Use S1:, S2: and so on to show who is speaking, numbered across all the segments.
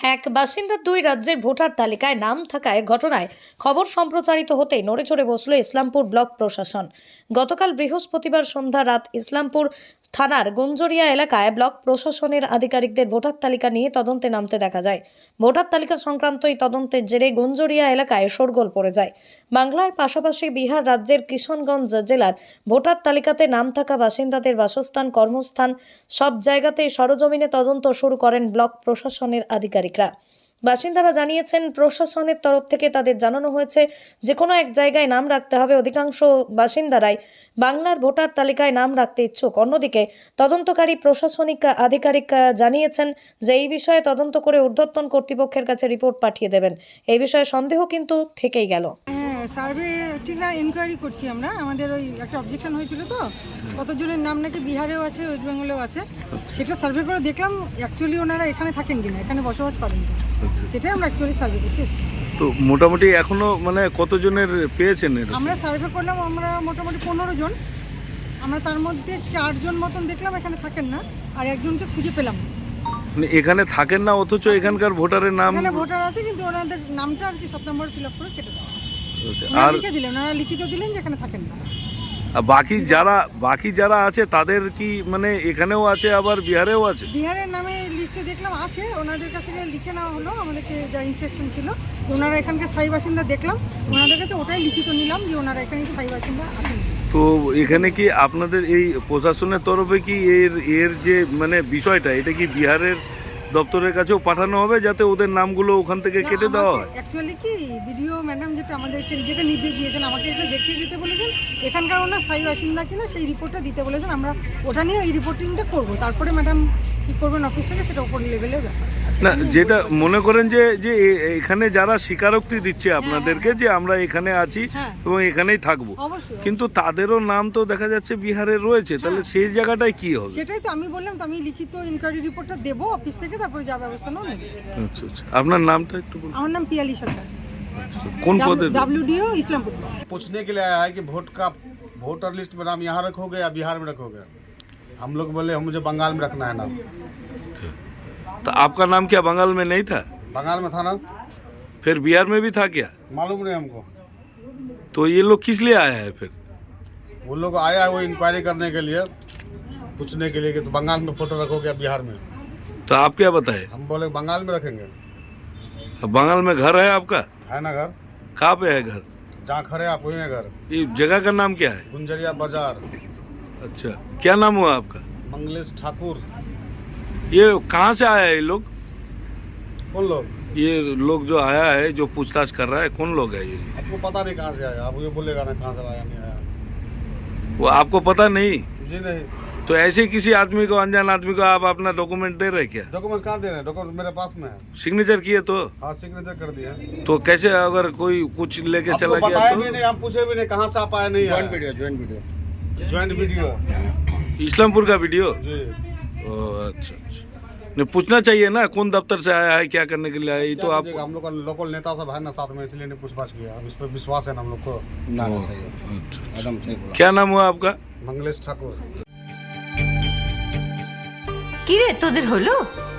S1: এক বাসিন্দার দুই রাজ্যের ভোটার তালিকায় নাম থাকায় ঘটনায় খবর সম্প্রচারিত হতেই নড়েচড়ে বসল ইসলামপুর ব্লক প্রশাসন। গতকাল বৃহস্পতিবার সন্ধ্যা রাত ইসলামপুর থানার গুঞ্জরিয়া এলাকায় ব্লক প্রশাসনের আধিকারিকদের ভোটার তালিকা নিয়ে তদন্তে নামতে দেখা যায়। ভোটার তালিকা সংক্রান্ত এই তদন্তের জেরে গুঞ্জরিয়া এলাকায় শোরগোল পড়ে যায়। বাংলার পাশাপাশি বিহার রাজ্যের কিশনগঞ্জ জেলার ভোটার তালিকাতে নাম থাকা বাসিন্দাদের বাসস্থান, কর্মস্থান সব জায়গাতে সরজমিনে তদন্ত শুরু করেন ব্লক প্রশাসনের আধিকারিকরা। বাসিন্দারা জানিয়েছেন, প্রশাসনের তরফ থেকে তাদের জানানো হয়েছে যে কোনো এক জায়গায় নাম রাখতে হবে। অধিকাংশ বাসিন্দারাই বাংলার ভোটার তালিকায় নাম রাখতে ইচ্ছুক। অন্যদিকে তদন্তকারী প্রশাসনিক আধিকারিক জানিয়েছেন যে এই বিষয়ে তদন্ত করে ঊর্ধ্বতন কর্তৃপক্ষের কাছে রিপোর্ট পাঠিয়ে দেবেন। এই বিষয়ে সন্দেহ কিন্তু থেকেই গেল।
S2: সার্ভেটিরা এনকোয়ারি করছি আমরা। আমাদের ওই একটা অবজেকশন হয়েছিল, তো কতজনের নাম নাকি বিহারেও আছে, ওয়েস্ট বেঙ্গলেও আছে, সেটা সার্ভে করে দেখলাম অ্যাকচুয়ালি ওনারা এখানে থাকেন কিনা, এখানে বসবাস করেন কিনা, সেটাই আমরা অ্যাকচুয়ালি সার্ভে করতে এসেছি।
S3: তো মোটামুটি এখনো মানে কতজনের পেয়েছেন?
S2: আমরা সার্ভে করলাম, আমরা মোটামুটি 15 জন। আমরা তার মধ্যে 4 জন মতন দেখলাম এখানে থাকেন না, আর একজনকে খুঁজে পেলাম না।
S3: মানে এখানে থাকেন না অথচ এখানকার ভোটারের নাম?
S2: এখানে ভোটার আছে কিন্তু ওনাদের নামটা আর কি 7 নম্বর ফিল আপ করে কেটে দেওয়া।
S3: আর
S2: লিখে দিলেন, ওনারা লিখিত দিলেন যে এখানে থাকেন না।
S3: বাকি যারা আছে তাদের কি মানে এখানেও আছে আবার বিহারেও আছে?
S2: বিহারের নামে লিস্টে দেখলাম আছে, ওনাদের কাছে লিখে নেওয়া হলো। আমাদেরকে যা ইনস্ট্রাকশন ছিল যে ওনারা এখানকার স্থায়ী বাসিন্দা দেখলাম, ওনাদের কাছে ওটাই লিখিত নিলাম যে ওনারা এখানে স্থায়ী বাসিন্দা আছেন।
S3: তো এখানে কি আপনাদের এই প্রশাসনের তরফে কি এর যে মানে বিষয়টা, এটা কি বিহারের দপ্তরের কাছেও পাঠানো হবে যাতে ওদের নামগুলো ওখান থেকে কেটে দেওয়া হয়?
S2: অ্যাকচুয়ালি কি বিডিও ম্যাডাম যেটা আমাদেরকে যেটা নির্দেশ দিয়েছেন, আমাকে এটা দেখতে যেতে বলেছেন, এখানকার ওনার স্থায়ী বাসিন্দা কিনা সেই রিপোর্টটা দিতে বলেছেন। আমরা ওটা নিয়ে এই রিপোর্টিংটা করবো, তারপরে ম্যাডাম কী করবেন অফিস থেকে সেটা উপর লেভেলের ব্যাপার।
S3: না, যেটা মনে করেন যে এখানে যারা স্বীকারোক্তি দিচ্ছে আপনাদেরকে যে আমরা এখানে আছি এবং এখানেই থাকবো, কিন্তু তাদেরও নাম তো দেখা যাচ্ছে বিহারে রয়েছে, তাহলে সেই জায়গাটায় কি হবে?
S2: সেটাই তো আমি বললাম, তো আমি লিখিত ইনকোয়ারি রিপোর্টটা দেবো অফিস থেকে, তারপরে যা ব্যবস্থা নেব।
S3: আচ্ছা আচ্ছা, আপনার নামটা একটু বলুন।
S2: আমার নাম পিয়ালি সরকার,
S3: कौन पद?
S2: WDO इस्लामपुर।
S4: पूछने के लिए आया है कि वोटर लिस्ट में नाम यहाँ रखोगे या बिहार में रखोगे। हम लोग बोले मुझे बंगाल में रखना है नाम।
S3: तो आपका नाम क्या बंगाल में नहीं था?
S4: बंगाल में था ना,
S3: फिर बिहार में भी था क्या?
S4: मालूम नहीं हमको।
S3: तो ये लोग किस लिए आया है फिर?
S4: वो लोग आया है वो इंक्वायरी करने के लिए, पूछने के लिए कि तो बंगाल में फोटो रखोगे या बिहार में।
S3: तो आप क्या बताए?
S4: हम बोले बंगाल में रखेंगे।
S3: बंगाल में घर है आपका?
S4: है ना घर,
S3: कहाँ पे है घर?
S4: जहाँ खड़े आप वही है घर।
S3: ये जगह का नाम क्या है?
S4: गुंजरिया बाजार।
S3: अच्छा, क्या नाम हुआ आपका?
S4: मंगलेश ठाकुर।
S3: ये कहाँ से आया है ये लोग?
S4: कौन लोग?
S3: ये लोग जो आया है, जो पूछताछ कर रहा है, कौन लोग है ये?
S4: आपको पता नहीं कहाँ से आया, आप ये बोलेगा ना कहाँ से आया नहीं आया।
S3: वो आपको पता नहीं?
S4: जी नहीं।
S3: तो ऐसे किसी आदमी को, अनजान आदमी को आप अपना डॉक्यूमेंट दे रहे क्या?
S4: डॉक्यूमेंट कहाँ दे रहे हैं? डॉक्यूमेंट मेरे पास में है।
S3: सिग्नेचर किए तो?
S4: हाँ सिग्नेचर कर दिया।
S3: तो कैसे अगर कोई कुछ लेके
S4: आपको
S3: चला गया
S4: बताया
S3: तो?
S4: भी नहीं, हम पूछे भी नहीं कहाँ से आप आए नहीं। ज्वाइंट वीडियो
S3: इस्लामपुर का वीडियो?
S4: जी।
S3: ओ अच्छा अच्छा, नहीं पूछना चाहिए ना कौन दफ्तर से आया है, क्या करने के लिए आया है। ये तो आप
S4: हम लोग का लोकल नेता सब है ना साथ में, इसलिए नहीं पूछताछ किया। अब इस पर विश्वास है ना हम लोग को। ना सही है, एकदम सही बोला।
S3: क्या नाम हुआ आपका?
S4: मंगलेश ठाकुर।
S5: কি রে তোদের হলো?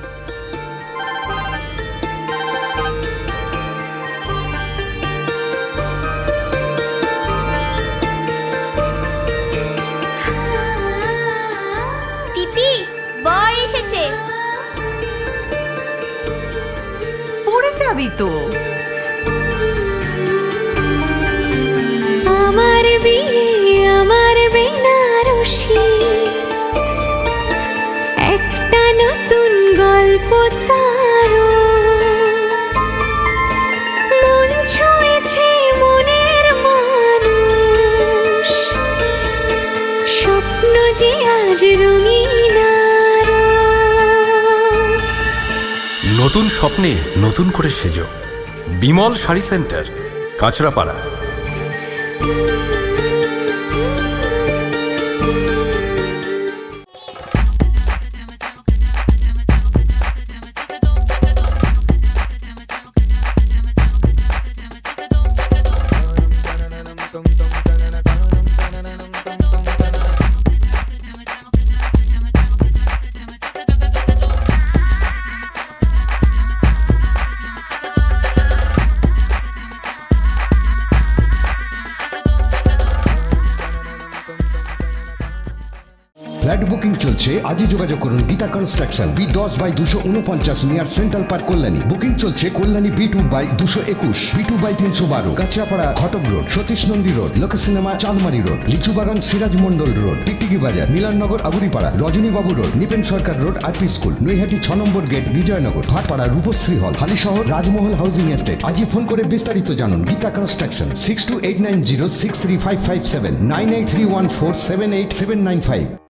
S6: পিপি বর এসেছে।
S5: পড়ে যাবি তো।
S6: আমার বিয়ে আমার বেনারসি, একটা নতুন গল্প তার, মন ছুঁয়েছে মনের মানুষ, স্বপ্ন যে আজ রঙিন আরো।
S7: নতুন স্বপ্নে নতুন করে সেজো। Bimal sari centre, Kanchrapara.
S8: Flat booking চলছে, আজই যোগাযোগ করুন Geeta construction, B10/249 near central park, Kalyani. Booking চলছে Kalyani B2/221, B2/312, Kachiapara Ghatak road, Satish Nandi road, Lok cinema Chandmari road, Lichubagan Siraj Mondal road, Tiktiki Bazar, Milannagar Aburipara, Rajanibabu road, Nipen Sarkar road, RP school, Naihati 6 number gate, Bijoynagar, Bhatpara Rupashree hall, Halisahar Rajmahal housing estate. আজই ফোন করে বিস্তারিত জানুন। গীতা কনস্ট্রাকশন 6289063557, 9831478795।